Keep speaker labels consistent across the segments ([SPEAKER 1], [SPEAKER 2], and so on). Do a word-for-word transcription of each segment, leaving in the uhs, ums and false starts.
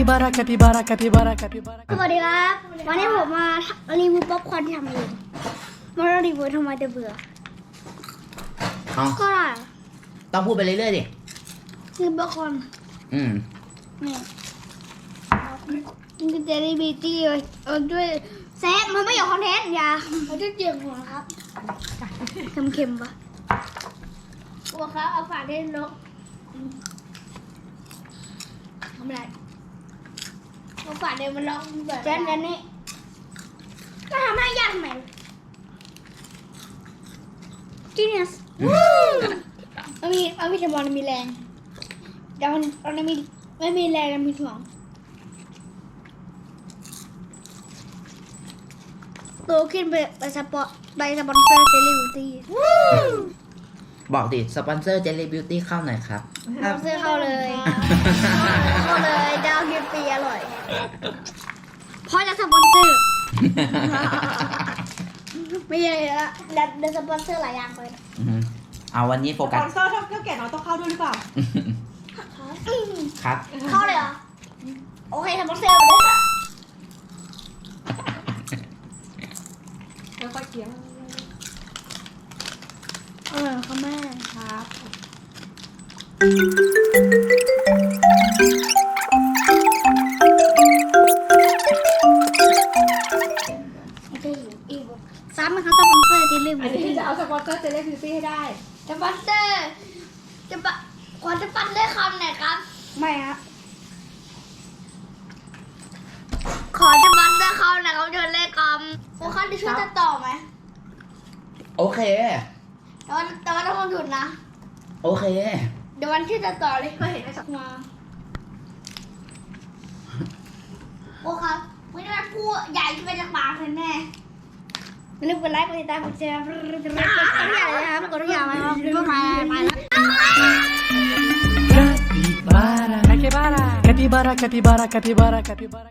[SPEAKER 1] capybara capybara capybara capybara
[SPEAKER 2] สวัสดีครับวันนี้ผมมารีวิวป๊อปคอร์นที่ทำเองมารีวิวทำไมจะเบื่อ
[SPEAKER 3] เอา
[SPEAKER 2] ก็ได้
[SPEAKER 3] ต้องพูดไปเรื่อยๆดิ
[SPEAKER 2] คือป๊อปคอร์น
[SPEAKER 3] อืม
[SPEAKER 2] นี่มันจะได้บีตี้เออด้วยแซฟมันไม่อยากคอนเทนต์อย่ามันจะเจียงหัวครับเค็มๆปะบัวครับเอาฝาได้นกทำไรเอาฝาเดินมันล็อกแบบแจ๊นแจ๊นนี่ก็ทำให้ยากทำไมจีเนียสมันมีมันมีสมองมันมีแรงแต่มันมันมีไม่มีแรงมันมีสมองโตขึ้นไปไปสปอร์ไปสปอนเซอร์เจลลี่บิวตี้
[SPEAKER 3] บอกดิสปอนเซอร์ Jelly Beauty เข้าหน่อยครับ
[SPEAKER 2] สปอนเซอร์เข้าเลยเข้าเลยดาวกินฟรีอร่อยเพราะจะสปอนเซอร์ไม่ใช่ละเดี๋ยวสปอนเซอร์หลายอย่างเลย
[SPEAKER 3] อืมเอาวันนี้โฟ
[SPEAKER 4] ส
[SPEAKER 3] กั
[SPEAKER 4] ป
[SPEAKER 3] ส
[SPEAKER 4] อนเซอร์ถ้าเท่าแก่น้อยต้องเข้าด้วยหรือเปล่า
[SPEAKER 3] ครับ
[SPEAKER 2] เข้าเลยเหรอโอเคสปอนเซอร์มาเลยค่ะ
[SPEAKER 4] แล้วก็เคี้ยว
[SPEAKER 2] เออค่ะแม่
[SPEAKER 4] ครับ
[SPEAKER 2] ไม่ใช่อยู่อีกซ้ำไหมคะสปอนเซอร์เจลลี่บิ
[SPEAKER 4] อัน
[SPEAKER 2] ว
[SPEAKER 4] นี้
[SPEAKER 2] ตี้
[SPEAKER 4] จะเอาสปอนเซอร์เจลลี่บิวตี้ให้ได้
[SPEAKER 2] สปอนเซอร์จะปะขอจะปันได้คำไหนครับไม่ฮะขอจะปันได้คำไหนครับเชิญเลขคำโอ้คันจะช่วยจะต่อไหม
[SPEAKER 3] โอเค
[SPEAKER 2] แต่ว่าแต่ว่าต้องหยุดนะ
[SPEAKER 3] โอเค
[SPEAKER 2] เดี๋ยววันที่จะต่อเลยก็เห็นไอ้สักมาโอ้ครับไม่ได้พูดใหญ่ขึ้นไปจากปากเลยแน่อย่าลืมกดไลค์กดติดตามกดแชร์กดทุกอย่างเลยนะครับกดทุกอย่างเลยครับไปไปแล้ว
[SPEAKER 1] capybara capybara capybara capybara capybara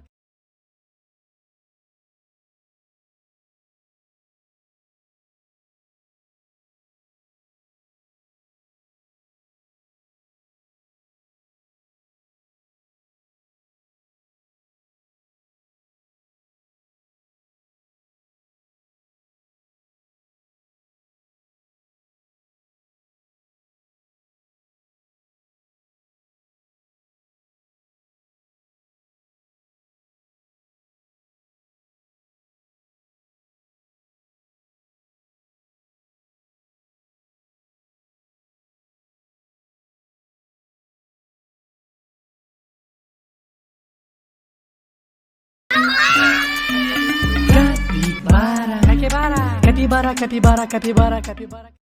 [SPEAKER 1] capybara capybara capybara capybara capybara